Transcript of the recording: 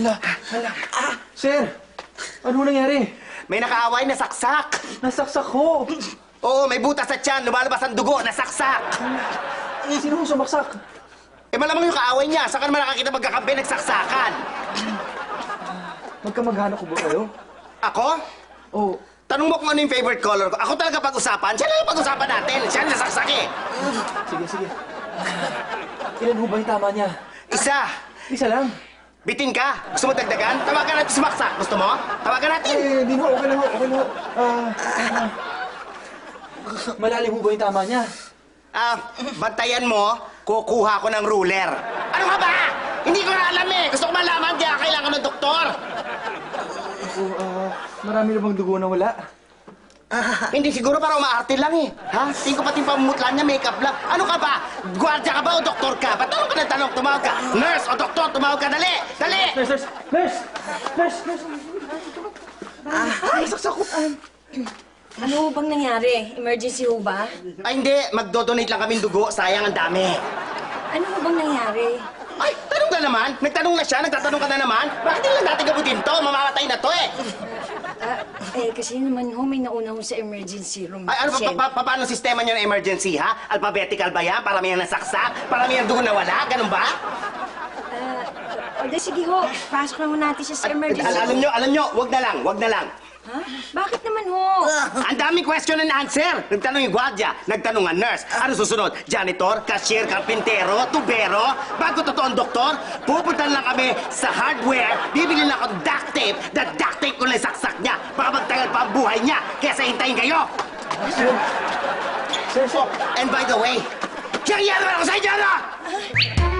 Hala. Sir, ano nangyari? May nakaaway na saksak. Nasaksak ko. Oo, may butas sa tiyan, lumalabas ang dugo, nasaksak. Sino ang sumaksak? Eh malamang yung kaaway niya, saan ka naman nakakita magkakampi, nagsaksakan? Magkamag-anak ko ba kayo? Ako? Oo. Tanong mo kung ano yung favorite color ko. Ako talaga pag-usapan, siya lang pag-usapan natin. Siya ang nasaksak eh. Sige. Ilan ho ba yung tama niya? Isa. Isa lang. Bitin ka? Gusto mo dagdagan? Tawagan natin sumaksak. Gusto mo? Tawagan natin. Di ho. Okay lang ho. Malalim ho ba yung tama niya? Bantayan mo, kukuha ko ng ruler. Ano ka ba? Hindi ko na alam eh. Gusto ko malaman, kaya kailangan ng doktor. Marami na bang dugo na wala? Hindi siguro para umaarte lang eh. Ha? Tingin ko pati pamumutla niya, makeup lang. Ano ka ba? Gwardiya ka ba o doktor ka? Ba't tanong ka ng tanong? Tumawag ka. Nurse o doktor, tumawag ka. Dali! Dali! Nurse! Ay, saksak ko. Ano ho bang nangyari? Emergency ho ba? Ay hindi, magdodonate lang kaming dugo. Sayang ang dami. Ano ho bang nangyari? Ay, tanong ka naman. Nagtanong na siya, nagtatanong ka na naman. Bakit hindi lang natin gabutin to? Mamamatay na to eh. Kasi naman ho, may nauna ho sa emergency room. Ay, ano paano sistema niyo ng emergency, ha? Alphabetical ba yan? Paramihan nasaksak? Paramihan dugo na wala? Ganun ba? Sige ho, pasok na ho natin siya sa emergency room. Alam nyo, wag na lang. Ha? Bakit naman ho? Ang daming question and answer. Nagtanong yung gwardiya, nagtanong ang nurse. Ano susunod? Janitor, cashier, karpintero, tubero? Bago totoong doktor, pupunta lang kami sa hardware, bibili lang ako duct tape, the duct tape ko lang saksak niya. Baka magtagal pa ang buhay niya, kaya sa hintayin kayo. Sir. And by the way, kaya naman ako sa inyo, ano?